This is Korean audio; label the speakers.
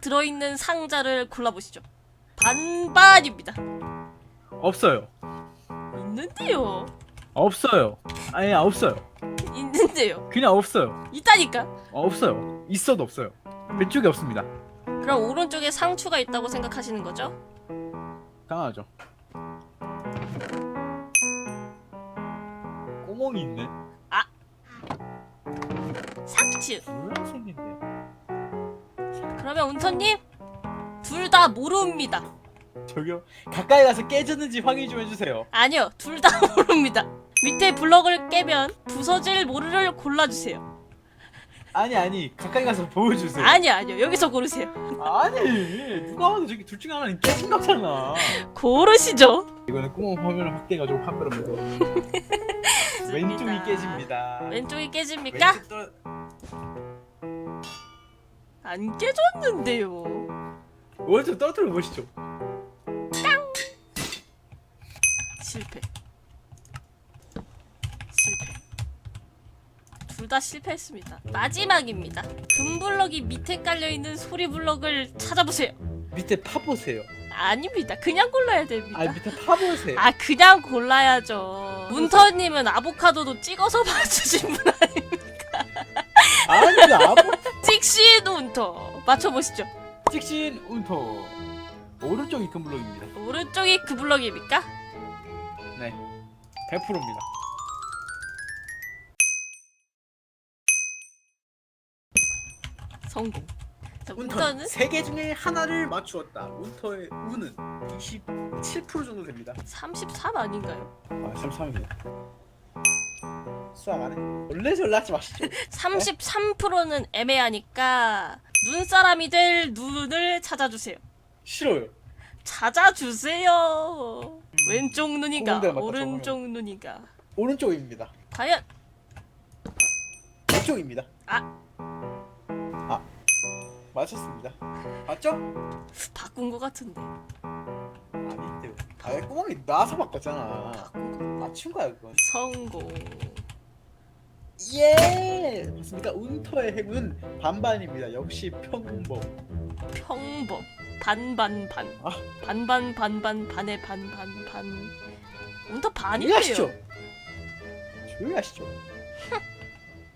Speaker 1: 들어있는 상자를 골라보시죠. 반반입니다.
Speaker 2: 없어요.
Speaker 1: 있는데요.
Speaker 2: 없어요. 아니 없어요.
Speaker 1: 있는데요.
Speaker 2: 그냥 없어요.
Speaker 1: 있다니까.
Speaker 2: 없어요. 있어도 없어요. 왼쪽에 없습니다.
Speaker 1: 그럼 오른쪽에 상추가 있다고 생각하시는 거죠?
Speaker 2: 당하죠. 구멍이 있네.
Speaker 1: 상추.
Speaker 2: 노란색인데.
Speaker 1: 그러면 운터님 둘 다 모릅니다.
Speaker 2: 저기요. 가까이 가서 깨졌는지 확인 좀 해주세요.
Speaker 1: 아니요, 둘 다 모릅니다. 밑에 블럭을 깨면 부서질 모르를 골라주세요.
Speaker 2: 아니 가까이 가서 보여주세요.
Speaker 1: 아니요, 여기서 고르세요.
Speaker 2: 아니 누가 봐도 저기 둘 중에 하나는 깨진 거잖아.
Speaker 1: 고르시죠.
Speaker 2: 이거는 구멍 화면을 확대해가지고 판별합니다. 왼쪽이 깨집니다.
Speaker 1: 왼쪽이 깨집니까?
Speaker 2: 왼쪽 떨어...
Speaker 1: 안 깨졌는데요.
Speaker 2: 오른쪽 떨어뜨려 보시죠.
Speaker 1: 실패. 둘 다 실패했습니다. 마지막입니다. 금블럭이 밑에 깔려있는 소리블럭을 찾아보세요.
Speaker 2: 밑에 파보세요.
Speaker 1: 아닙니다. 그냥 골라야 됩니다.
Speaker 2: 밑에 파보세요.
Speaker 1: 그냥 골라야죠. 문터님은 아보카도도 찍어서 맞추신 분 아닙니까?
Speaker 2: 아니 아무
Speaker 1: 찍신 운터 맞춰보시죠.
Speaker 2: 찍신 운터. 오른쪽이 큰 블록입니다.
Speaker 1: 오른쪽이 그 블럭입니까?
Speaker 2: 네, 100%입니다.
Speaker 1: 성공. 자,
Speaker 2: 운터는
Speaker 1: 운터는
Speaker 2: 3개 중에 하나를 맞추었다. 운터의 운은 27% 정도 됩니다.
Speaker 1: 33 아닌가요?
Speaker 2: 33입니다. 수학 안 해? 원래 전략하지 마시죠.
Speaker 1: 33%는 애매하니까 눈사람이 될 눈을 찾아주세요.
Speaker 2: 싫어요.
Speaker 1: 찾아주세요. 왼쪽 눈이가
Speaker 2: 구멍대를 맞다,
Speaker 1: 오른쪽 눈이가
Speaker 2: 오른쪽입니다.
Speaker 1: 과연
Speaker 2: 왼쪽입니다.
Speaker 1: 아.
Speaker 2: 맞췄습니다. 맞죠?
Speaker 1: 바꾼 것 같은데.
Speaker 2: 아닌데요. 구멍이 나서 바꿨잖아.
Speaker 1: 바꾼 거.
Speaker 2: 맞춘 거야 그건.
Speaker 1: 성공.
Speaker 2: 예! 맞습니다. 운터의 행운 반반입니다. 역시 평범.
Speaker 1: 평범. 반반 반.
Speaker 2: 아.
Speaker 1: 반반 반반 반의 반반 반. 운터
Speaker 2: 조용히 하시죠.
Speaker 1: 반이에요.
Speaker 2: 조용히 하시죠.